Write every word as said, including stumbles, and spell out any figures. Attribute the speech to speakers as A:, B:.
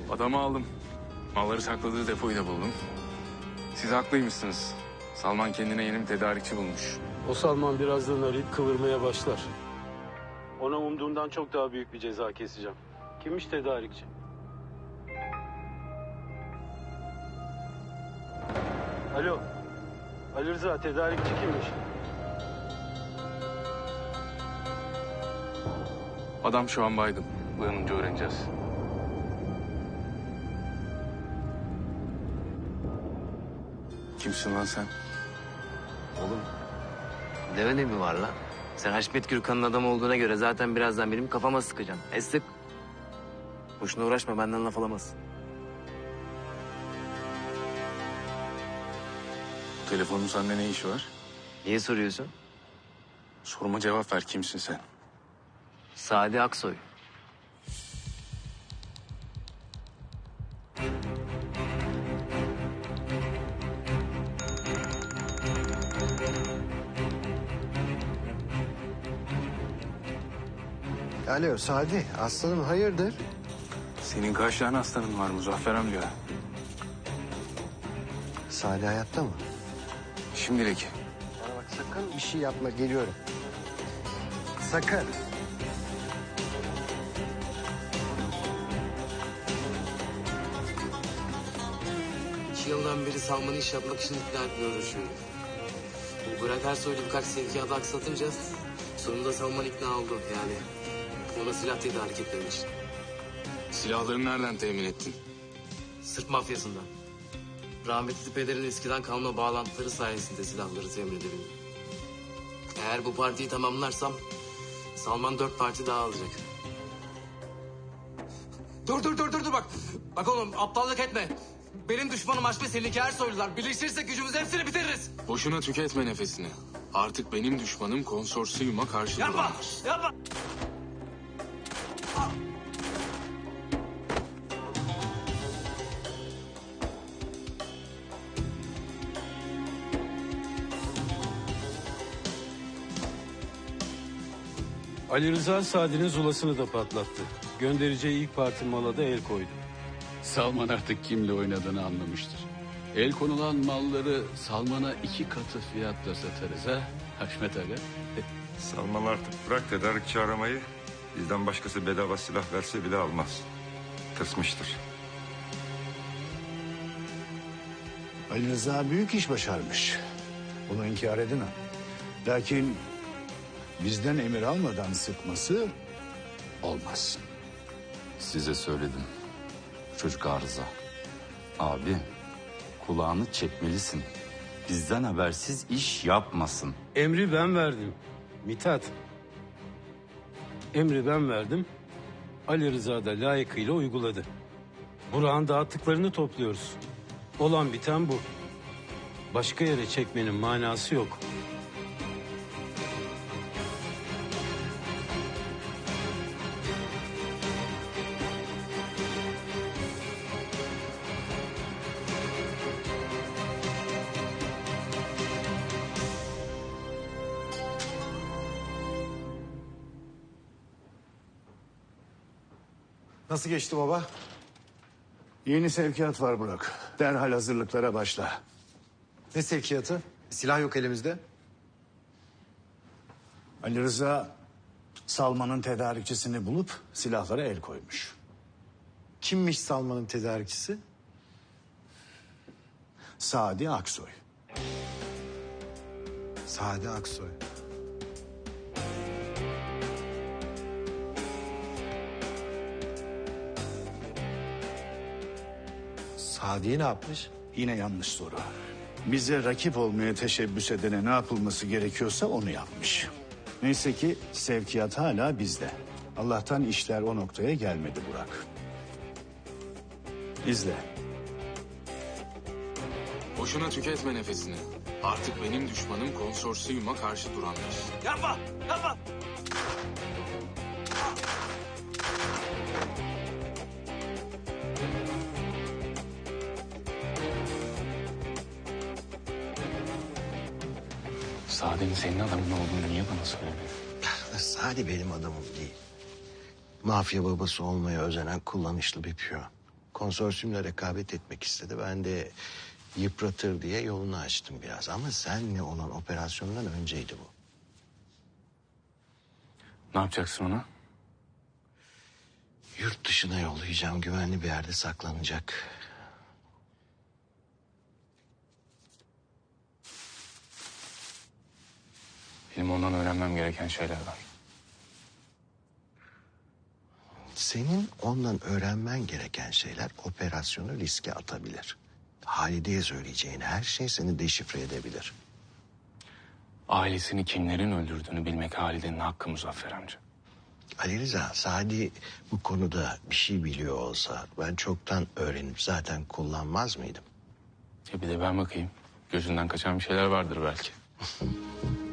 A: Adamı aldım. Malları sakladığı depoyu da buldum. Siz haklıymışsınız. Salman kendine yeni bir tedarikçi bulmuş.
B: O Salman birazdan arayıp kıvırmaya başlar. Ona umduğundan çok daha büyük bir ceza keseceğim. Kimmiş tedarikçi? Alo. Ali Rıza, tedarikçi kimmiş?
A: Adam şu an baygın. Uyanınca öğreneceğiz. Kimsin lan sen?
C: Oğlum ne önemi var lan? Sen Haşmet Gürkan'ın adamı olduğuna göre zaten birazdan benim kafama sıkacaksın. E sık. Boşuna uğraşma, benden laf alamazsın.
A: Bu telefonun sende ne işi var?
C: Niye soruyorsun?
A: Soruma cevap ver, kimsin sen?
C: Sadi Aksoy.
D: Alo Sadi, aslanım hayırdır?
A: Senin kaç tane hastanın var Muzaffer amca?
D: Sadi hayatta mı?
A: Şimdilik.
D: Bana bak sakın bir şey yapma, geliyorum. Sakın.
C: İki yıldan beri Salman'ı iş yapmak için ikna etmeye uğraşıyorum. Bu Burak Ersoy'la birkaç sevkiyatı aksatınca sonunda Salman ikna oldu yani. Ona silah tedarik etmem için.
A: Silahları nereden temin ettin?
C: Sırp mafyasından. Rahmetli pederin eskiden kalma bağlantıları sayesinde silahları temin edebildim. Eğer bu partiyi tamamlarsam Salman dört parti daha alacak. Dur dur dur dur dur bak. Bak oğlum aptallık etme. Benim düşmanım Haşmet, seninki Ersoylular. Birleşirsek gücümüzü hepsini bitiririz.
A: Boşuna tüketme nefesini. Artık benim düşmanım konsorsiyuma karşı
C: Yapma,
A: duranlar.
C: yapma.
B: Ali Rıza Sadi'nin zulasını da patlattı. Göndereceği ilk parti mala da el koydu.
E: Salman artık kimle oynadığını anlamıştır. El konulan malları Salman'a iki katı fiyatla satarız ha Haşmet Aga.
F: Salman artık bırak tedarikçi aramayı. Bizden başkası bedava silah verse bile almaz. Tırsmıştır.
G: Ali Rıza büyük iş başarmış. Bunu inkar edemem. Lakin bizden emir almadan sıkması olmaz.
H: Size söyledim. Çocuk arıza. Abi kulağını çekmelisin. Bizden habersiz iş yapmasın.
B: Emri ben verdim. Mithat. Emri ben verdim. Ali Rıza da layıkıyla uyguladı. Burak'ın dağıttıklarını topluyoruz. Olan biten bu. Başka yere çekmenin manası yok.
D: Nasıl geçti baba?
G: Yeni sevkiyat var Burak. Derhal hazırlıklara başla.
D: Ne sevkiyatı? Silah yok elimizde.
G: Ali Rıza Salman'ın tedarikçisini bulup silahlara el koymuş.
D: Kimmiş Salman'ın tedarikçisi?
G: Sadi Aksoy.
D: Sadi Aksoy. Sadi'yi ne yapmış?
G: Yine yanlış soru. Bize rakip olmaya teşebbüs edene ne yapılması gerekiyorsa onu yapmış. Neyse ki sevkiyat hala bizde. Allah'tan işler o noktaya gelmedi Burak. İzle.
A: Boşuna tüketme nefesini. Artık benim düşmanım konsorsiyuma karşı duranlar.
C: Yapma, yapma.
A: Sade'nin senin adamın olduğunu niye bana söylemiyor?
D: Sadi benim adamım değil. Mafya babası olmaya özenen kullanışlı bir piyon.
I: konsorsiyumla rekabet etmek istedi. Ben de yıpratır diye yolunu açtım biraz. Ama senle olan operasyondan önceydi bu.
A: Ne yapacaksın ona?
I: Yurt dışına yollayacağım. Güvenli bir yerde saklanacak.
A: Benim ondan öğrenmem gereken şeyler var.
I: Senin ondan öğrenmen gereken şeyler operasyonu riske atabilir. Halide'ye söyleyeceğin her şey seni deşifre edebilir.
A: Ailesini kimlerin öldürdüğünü bilmek Halide'nin hakkı Muzaffer amca.
I: Ali Rıza, Sadi bu konuda bir şey biliyor olsa ben çoktan öğrenip zaten kullanmaz mıydım?
A: Ya bir de ben bakayım. Gözünden kaçan bir şeyler vardır belki.